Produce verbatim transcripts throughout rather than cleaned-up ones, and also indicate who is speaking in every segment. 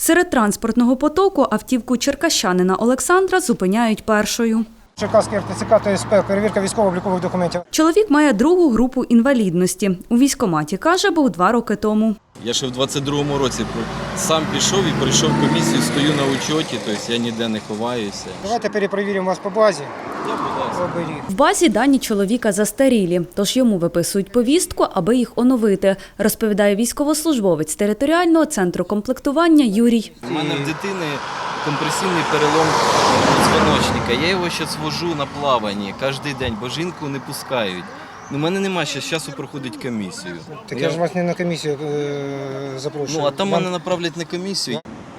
Speaker 1: Серед транспортного потоку автівку черкащанина Олександра зупиняють першою.
Speaker 2: Черкаський РТЦК та СП, перевірка військово-облікових документів.
Speaker 1: Чоловік має другу групу інвалідності. У військкоматі, каже, був два роки тому.
Speaker 3: Я ще в двадцять другому році сам пішов і пройшов комісію, стою на учоті, тобто я ніде не ховаюся.
Speaker 2: Давайте перепровіримо вас по базі.
Speaker 3: Я, будь ласка.
Speaker 1: В базі дані чоловіка застарілі, тож йому виписують повістку, аби їх оновити, розповідає військовослужбовець територіального центру комплектування Юрій.
Speaker 3: У мене в дитини компресійний перелом позвоночника. Я його зараз вожу на плаванні кожен день, бо жінку не пускають. У мене немає ще часу проходить комісію.
Speaker 2: Так я ж вас не на комісію е запрошую.
Speaker 3: Ну, а там
Speaker 2: Вам...
Speaker 3: мене направлять на комісію.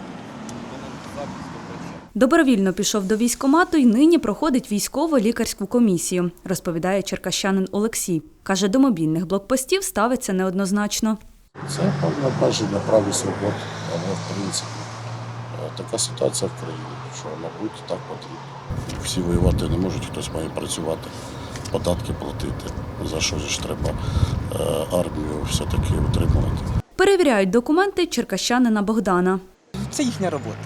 Speaker 1: Добровільно пішов до військкомату і нині проходить військово-лікарську комісію, розповідає черкащанин Олексій. Каже, до мобільних блокпостів ставиться неоднозначно.
Speaker 4: Це обмеження прав і свобод, але в принципі така ситуація в країні, що, мабуть, так потрібно. Всі воювати не можуть, хтось має працювати, податки платити, за що ж треба армію все-таки утримувати.
Speaker 1: Перевіряють документи черкащанина Богдана.
Speaker 5: Це їхня робота.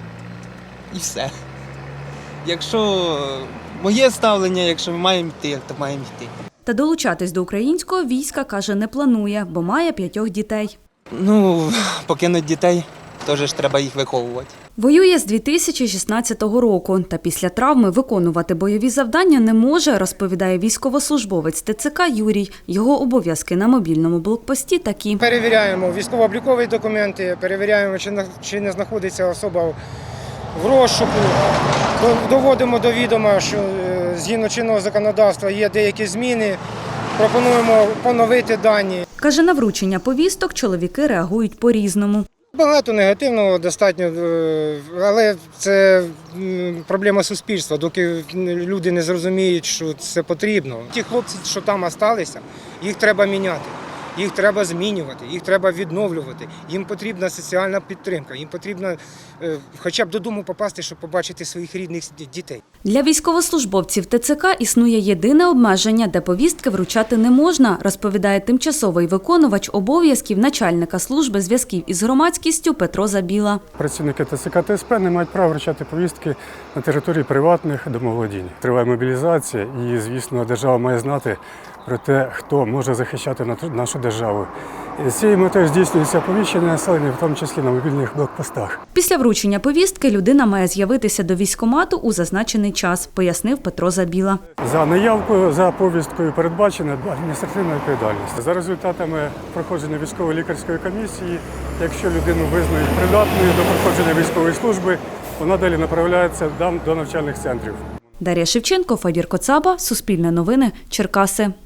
Speaker 5: І все. Якщо моє ставлення, якщо ми маємо йти, то маємо йти.
Speaker 1: Та долучатись до українського війська, каже, не планує, бо має п'ятьох дітей.
Speaker 5: Ну, покинуть дітей, теж ж треба їх виховувати.
Speaker 1: Воює з дві тисячі шістнадцятого року, та після травми виконувати бойові завдання не може, розповідає військовослужбовець ТЦК Юрій. Його обов'язки на мобільному блокпості такі.
Speaker 2: Перевіряємо військово-облікові документи, перевіряємо, чи, на... чи не знаходиться особа в розшуку. Доводимо до відома, що згідно чинного законодавства є деякі зміни. Пропонуємо поновити дані.
Speaker 1: Каже, на вручення повісток чоловіки реагують по-різному.
Speaker 2: Багато негативного достатньо, але це проблема суспільства, доки люди не зрозуміють, що це потрібно. Ті хлопці, що там залишилися, їх треба міняти, їх треба змінювати, їх треба відновлювати. Їм потрібна соціальна підтримка, їм потрібно хоча б додому попасти, щоб побачити своїх рідних дітей.
Speaker 1: Для військовослужбовців ТЦК існує єдине обмеження, де повістки вручати не можна, розповідає тимчасовий виконувач обов'язків начальника служби зв'язків із громадськістю Петро Забіла.
Speaker 6: Працівники ТЦК та СП не мають права вручати повістки на території приватних домоволодінь. Триває мобілізація і, звісно, держава має знати про те, хто може захищати нашу державу. І з цією метою здійснюється оповіщення населення, в тому числі на мобільних блокпостах.
Speaker 1: Після вручення повістки людина має з'явитися до військкомату у зазначений час, пояснив Петро Забіла.
Speaker 6: За неявкою, за повісткою передбачена адміністративна відповідальність. За результатами проходження військово-лікарської комісії, якщо людину визнають придатною до проходження військової служби, вона далі направляється до навчальних центрів.
Speaker 1: Дар'я Шевченко, Федір Коцаба, Суспільне новини, Черкаси.